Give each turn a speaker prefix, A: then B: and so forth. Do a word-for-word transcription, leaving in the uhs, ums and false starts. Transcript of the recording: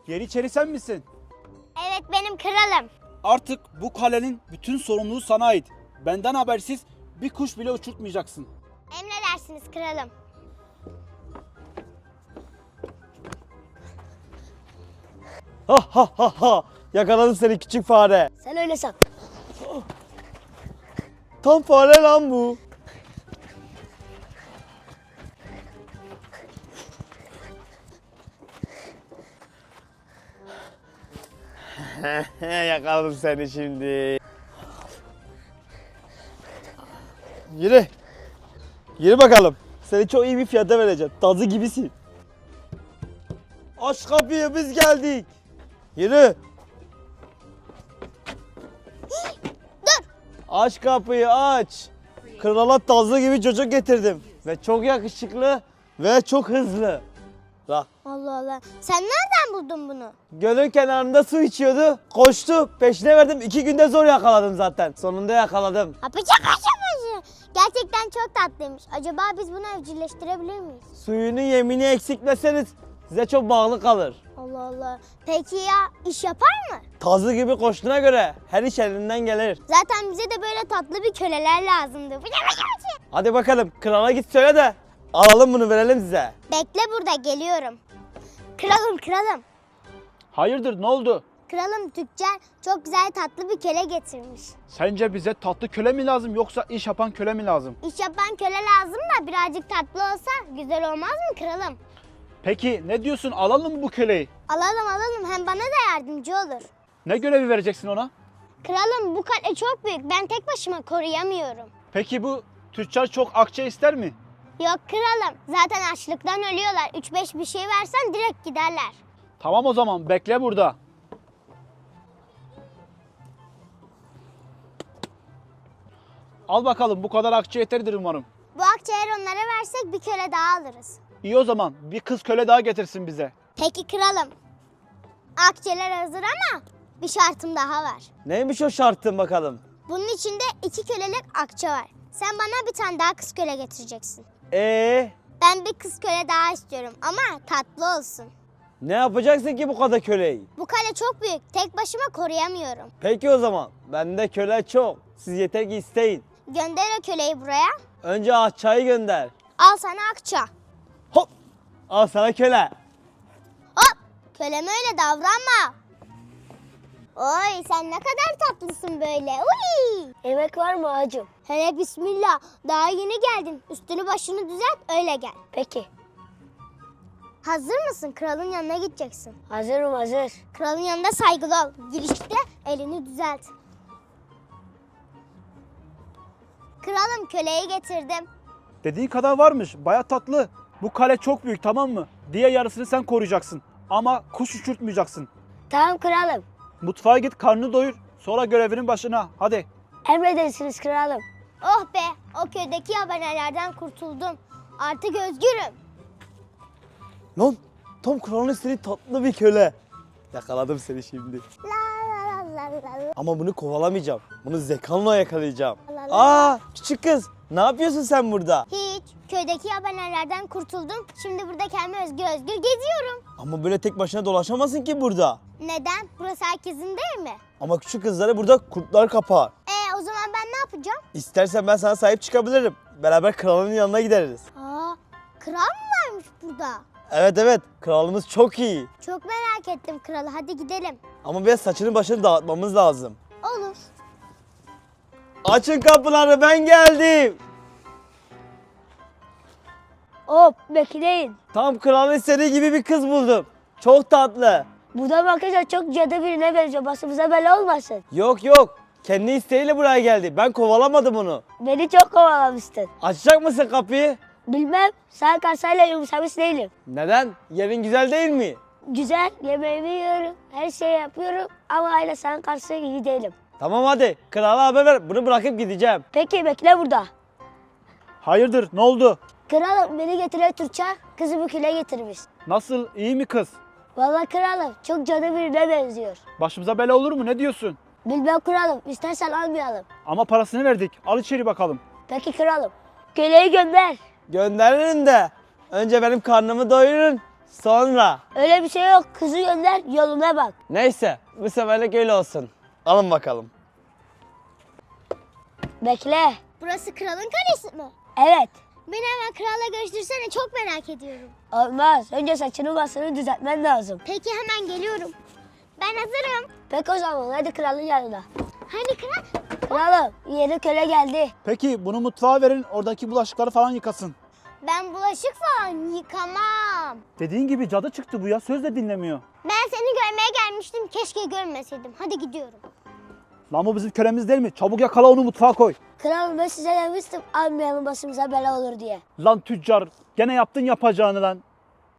A: Yeniçeri sen misin?
B: Evet benim kralım.
A: Artık bu kalenin bütün sorumluluğu sana ait. Benden habersiz bir kuş bile uçurtmayacaksın.
B: Emredersiniz kralım.
C: Ha ha ha ha. Yakaladım seni küçük fare.
B: Sen öyle san.
C: Tam fare lan bu. Yakaladım seni şimdi. Yürü. Yürü bakalım. Seni çok iyi bir fiyata vereceğim. Tazı gibisin. Aç kapıyı, biz geldik. Yürü.
B: Dur.
C: Aç kapıyı, aç. Krala tazı gibi çocuk getirdim. Ve çok yakışıklı ve çok hızlı. Bak.
B: Allah Allah. Sen nereden buldun bunu?
C: Gölün kenarında su içiyordu. Koştu. Peşine verdim. İki günde zor yakaladım zaten. Sonunda yakaladım.
B: Apacak aşaması. Gerçekten çok tatlıymış. Acaba biz bunu evcilleştirebilir miyiz?
C: Suyunu yemini eksiltmeseniz size çok bağlı kalır.
B: Allah Allah. Peki ya iş yapar mı?
C: Tazı gibi koştuğuna göre her iş elinden gelir.
B: Zaten bize de böyle tatlı bir köleler lazımdı.
C: Hadi bakalım krala git söyle de alalım bunu, verelim size.
B: Bekle burada, geliyorum. Kralım kralım.
A: Hayırdır, ne oldu?
B: Kralım tüccar çok güzel tatlı bir köle getirmiş.
A: Sence bize tatlı köle mi lazım yoksa iş yapan köle mi lazım?
B: İş yapan köle lazım da birazcık tatlı olsa güzel olmaz mı kralım?
A: Peki ne diyorsun, alalım mı bu köleyi?
B: Alalım alalım, hem bana da yardımcı olur.
A: Ne görevi vereceksin ona?
B: Kralım bu kale çok büyük, ben tek başıma koruyamıyorum.
A: Peki bu tüccar çok akçe ister mi?
B: Yok kralım, zaten açlıktan ölüyorlar. üç beş bir şey versen direkt giderler.
A: Tamam o zaman, bekle burada. Al bakalım, bu kadar akçe yeterdir umarım.
B: Bu akçe eğer onlara versek bir köle daha alırız.
A: İyi o zaman, bir kız köle daha getirsin bize.
B: Peki kralım. Akçeler hazır ama bir şartım daha var.
C: Neymiş o şartın bakalım?
B: Bunun içinde iki kölelik akçe var. Sen bana bir tane daha kız köle getireceksin.
C: Ee,
B: Ben bir kız köle daha istiyorum ama tatlı olsun.
C: ne yapacaksın ki bu kadar köleyi?
B: Bu kale çok büyük. Tek başıma koruyamıyorum.
C: Peki o zaman. Bende köle çok. Siz yeter ki isteyin.
B: Gönder o köleyi buraya.
C: Önce Ahça'yı gönder.
B: Al sana akça.
C: Hop! Al sana köle.
B: Hop! Köleme öyle davranma. Oy sen ne kadar tatlısın böyle. Uy!
D: Yemek var mı ağacım?
B: Hele bismillah. Daha yeni geldin. Üstünü başını düzelt öyle gel.
D: Peki.
B: Hazır mısın? Kralın yanına gideceksin.
D: Hazırım hazır.
B: Kralın yanında saygılı ol. Girişte elini düzelt. Kralım köleyi getirdim.
A: Dediğin kadar varmış, baya tatlı. Bu kale çok büyük, tamam mı? Diğer yarısını sen koruyacaksın. Ama kuş uçurtmayacaksın.
D: Tamam kralım.
A: Mutfağa git, karnını doyur. Sonra görevinin başına, hadi.
D: Emredersiniz kralım.
B: Oh be, o köydeki yabanelerden kurtuldum. Artık özgürüm.
C: Lan tam kralın istediği tatlı bir köle. Yakaladım seni şimdi.
B: La la la la la.
C: Ama bunu kovalamayacağım. Bunu zekamla yakalayacağım.
B: La la.
C: Aa küçük kız, ne yapıyorsun sen burada?
B: Hiç. Köydeki yabanelerden kurtuldum. Şimdi burada kendime özgür özgür geziyorum.
C: Ama böyle tek başına dolaşamazsın ki burada.
B: Neden? Burası herkesin değil mi?
C: Ama küçük kızları burada kurtlar kapar.
B: E o zaman ben ne yapacağım?
C: İstersen ben sana sahip çıkabilirim. Beraber kralın yanına gideriz.
B: Aa, kral mı varmış burada?
C: Evet evet, kralımız çok iyi.
B: Çok merak ettim kralı. Hadi gidelim.
C: Ama biraz saçını başını dağıtmamız lazım.
B: Olur.
C: Açın kapıları, ben geldim.
D: Hop bekleyin.
C: Tam kralın istediği gibi bir kız buldum. Çok tatlı.
D: Buradan bakınca çok cadı birine benziyor. Başımıza bela olmasın.
C: Yok yok, kendi isteğiyle buraya geldi. Ben kovalamadım onu.
D: Beni çok kovalamıştın.
C: Açacak mısın kapıyı?
D: Bilmem. Sen kasayla yumuşamış değilim.
C: Neden? Yerin güzel değil mi?
D: Güzel. Yemeğimi yiyorum. Her şeyi yapıyorum. Ama aile sen karşı iyi değilim.
C: Tamam hadi, krala haber ver. Bunu bırakıp gideceğim.
D: Peki bekle burada.
A: Hayırdır, ne oldu?
D: Kralım beni getiren Türkçe kızı bu küle getirmiş.
A: Nasıl, iyi mi kız?
D: Vallahi kralım çok cadı birine benziyor.
A: Başımıza bela olur mu, ne diyorsun?
D: Bilmem kralım. İstersen almayalım.
A: Ama parasını verdik, al içeri bakalım.
D: Peki kralım. Köleyi gönder.
C: Gönderirim de önce benim karnımı doyurun. Sonra.
D: Öyle bir şey yok. Kızı gönder, yoluna bak.
C: Neyse bu seferlik öyle olsun. Alın bakalım.
D: Bekle.
B: Burası kralın kalesi mi?
D: Evet.
B: Beni hemen kralla görüştürsene, çok merak ediyorum.
D: Olmaz. Önce saçını başını düzeltmen lazım.
B: Peki hemen geliyorum. Ben hazırım.
D: Peki o zaman hadi kralın yanına.
B: Hani kral?
D: Kralım yeni köle geldi.
A: Peki bunu mutfağa verin, oradaki bulaşıkları falan yıkasın.
B: Ben bulaşık falan yıkamam.
A: Dediğin gibi cadı çıktı bu ya, söz de dinlemiyor.
B: Ben seni görmeye gelmiştim, keşke görmeseydim. Hadi gidiyorum.
A: Lan bu bizim kölemiz değil mi? Çabuk yakala onu, mutfağa koy.
D: Kralım ben size demiştim almayalım başımıza bela olur diye.
A: Lan tüccar, gene yaptın yapacağını lan.